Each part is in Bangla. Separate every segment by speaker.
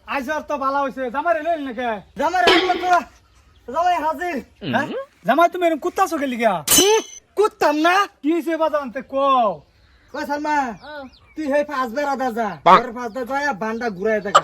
Speaker 1: আইজ আর তো ভালো হইছে জামাই লইল নাকি
Speaker 2: জামাই রাখলো তোরা জামাই হাজির
Speaker 1: হ্যাঁ জামাই তুমি এরকম কুত্তাছো গেলি গা
Speaker 2: কুত্তাম না
Speaker 1: কি হইছে বাজানতে কও
Speaker 2: কই সালমা তুই হে পাঁচ বেড়া দাজা তোর পাঁচ দা যায় বান্ডা ঘুরায় দেখা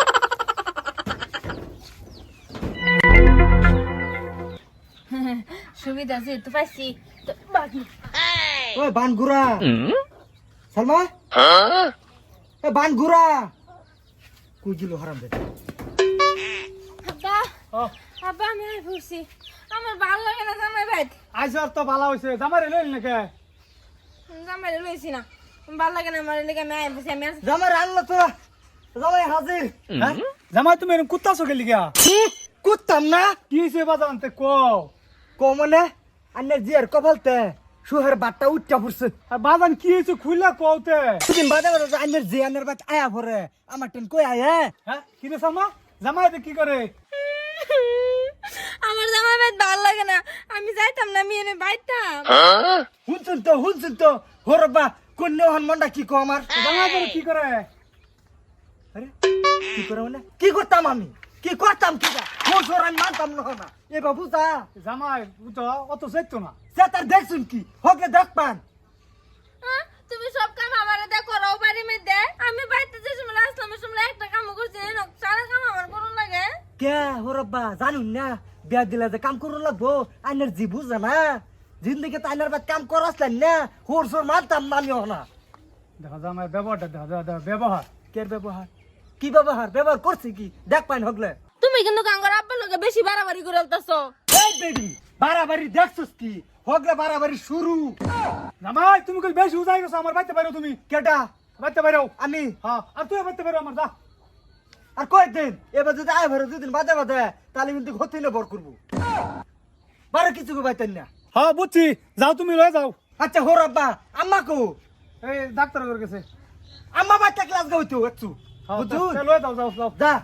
Speaker 3: সুবিধা আছে তো পাইছি তো বাকি
Speaker 2: ওই বান ঘুরা সালমা এ বান ঘুরা কই গিলো হারাম দে
Speaker 3: আব্বা আব্বা আমি আর ফুসি আমার ভালো লাগে না জামাই ভাই
Speaker 1: আইজ আর তো ভালো হইছে জামাই লইল নাকি
Speaker 3: জামাই লইছি না ভালো লাগে না আমার লেগে আমি ফুসি আমি আর
Speaker 2: জামাই রাখলো তোরা জামাই হাজির
Speaker 1: হ্যাঁ জামাই তুমি এরকম কুত্তাছো গেলি গা
Speaker 2: কুত্তাম না
Speaker 1: কি হইছে বাজানতে কও
Speaker 2: কমনে আন্নে জিয়ার কপালতে সুহের বাট্টা উচ্চা পড়ছে
Speaker 1: আর বাজান কি হইছে খুইলা কওতে
Speaker 2: দুদিন বাদে বাদে আন্নের জিয়ানের বাট আয়া পরে আমার টেন কই আয়া
Speaker 1: হ্যাঁ কি রে সামা জামাই তো কি করে
Speaker 3: আমার জামাই ভাই ভালো লাগে না আমি যাইতাম না আমি এনে বাইতাম
Speaker 2: হুনছুন তো হরবা কোন হন মন্ডা কি কো আমার
Speaker 1: জামাই করে কি করে
Speaker 2: আরে কি করে মানে কি করতাম আমি কি করতাম কি যা মোর আমি মানতাম না এ বাবু যা
Speaker 1: জামাই তো অত যাইতো না
Speaker 2: সে তার দেখছুন কি হকে দেখ পান
Speaker 3: তুমি সব কাম আমারে দে করো বাড়ি মে দে আমি বাইতে যে সময় আসলাম সময় একটা কাম করছি না সারা কাম আমার করুন লাগে
Speaker 2: কে হরবা জানুন না বিয়া দিলে যে কাম করুন লাগবো আইনের জি বুঝা না জিন্দগি তো আইনের বাদ কাম করাসলেন না হোর সোর মানতাম না আমি না
Speaker 1: দেখা জামাই ব্যবহারটা দেখা ব্যবহার
Speaker 2: কে ব্যবহার কি ব্যবহার করছি কি দেখ পাইন হগলে
Speaker 3: তুমি কিন্তু গাঙ্গার আব্বার লগে বেশি বাড়াবাড়ি করে আলতাছো
Speaker 2: এই বেবি বাড়াবাড়ি দেখছস কি হগলে বাড়াবাড়ি শুরু
Speaker 1: জামাই তুমি কই বেশি উজাই গেছো আমার বাইতে পারো তুমি
Speaker 2: কেটা
Speaker 1: বাইতে পারো
Speaker 2: আমি
Speaker 1: হ্যাঁ আর তুই বাইতে পারো আমার যা
Speaker 2: আর কয়েকদিন এবার যদি আয় ভরে দুদিন বাদে বাদে তাহলে কিন্তু হতিলে বর করবো বারো কিছু পাইতেন না
Speaker 1: হ্যাঁ বুঝছি যাও তুমি লয়ে যাও
Speaker 2: আচ্ছা হোর আব্বা আম্মা কো
Speaker 1: এই ডাক্তার করে গেছে
Speaker 2: আম্মা বাচ্চা ক্লাস গাইতো একটু
Speaker 1: হ্যাঁ,
Speaker 2: বুঝুন
Speaker 1: লয়ে যাও যাও যাও
Speaker 2: যা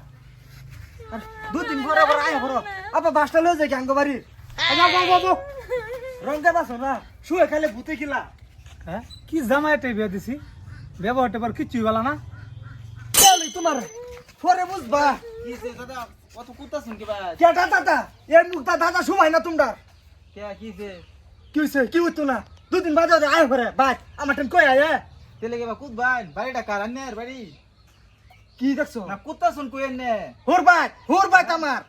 Speaker 2: আর দুদিন পরে আবার আয় ভরো আব্বা বাসটা লয়ে যায় গাঙ্গ বাড়ি
Speaker 1: যাও যাও যাও, যাও
Speaker 2: রঙে বাসো না শুয়ে খালে ভূতে কিলা
Speaker 1: হ্যাঁ কি জামাইটাই বিয়ে দিছি ব্যবহারটা পার কিচ্ছুই বলা না
Speaker 2: চলি তোমার পরে বুঝবা
Speaker 4: কিছে দাদা কত কুত্তাছেন কি ভাই
Speaker 2: কেটা দাদা এর মুখটা দাদা সময় না তোমরা
Speaker 4: কে কিছে
Speaker 2: কি হইছে কি হইতো না দুদিন বাদে বাদে আয় ভরে বাই আমার টেন কই আয়
Speaker 4: তেলে কে বা কুত ভাই বাড়িটা কার আন্নের বাড়ি
Speaker 2: কি দেখছো
Speaker 4: না কুত্তাছেন কই এনে
Speaker 2: হোর বাই আমার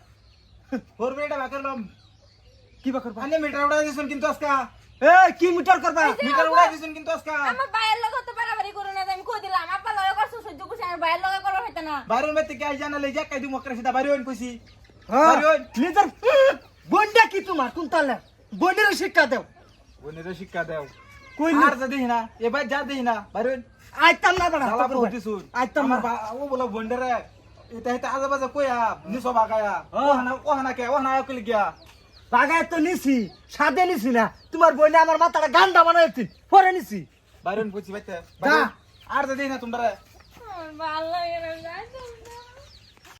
Speaker 4: ওর বাড়িটা বাকারলাম
Speaker 2: কি বা করবা
Speaker 4: আন্নে মিটার উড়াই দিছেন কিন্তু আজকা
Speaker 2: এই কি মিটার করবা
Speaker 4: মিটার উড়াই দিছেন কিন্তু আজকা
Speaker 3: আমার ভাইয়ের লগে তো বাড়াবাড়ি করো না আমি কই দিলাম আব্বার লগে করছো সহ্য করছি আমার ভাইয়ের লগে করো হইতা না
Speaker 4: বাইরের মেতে কে আই জানা লই যা কাই দিমু করে সেটা বাইরে হইন কইছি
Speaker 2: হ্যাঁ
Speaker 4: বাইরে হইন
Speaker 2: নিজের বন্ডা কি তোমার কোন তালে বন্ডের শিক্ষা দাও
Speaker 4: বনের শিক্ষা দাও
Speaker 2: কই
Speaker 4: আর যা দেই না এবার যা দেই না বাইরে হইন
Speaker 2: আইতাম না বড়
Speaker 4: সালা পৌঁছিছুন
Speaker 2: আইতাম না
Speaker 4: ও বলা বন্ডারে এটা এটা আজে বাজে কইয়া নিছো বাগায়া ও হানা কে ও হানা কইলি গিয়া
Speaker 2: বাগায় তো নিছি সাদে নিছি না তোমার বইনে আমার মাথাটা গান্ডা বানাইছি পরে নিছি
Speaker 4: বাইরে হইন কইছি বাইতে
Speaker 2: যা।
Speaker 4: আর যা দেই না তোমরা
Speaker 3: আমার ভালো লাগে না যাইতাম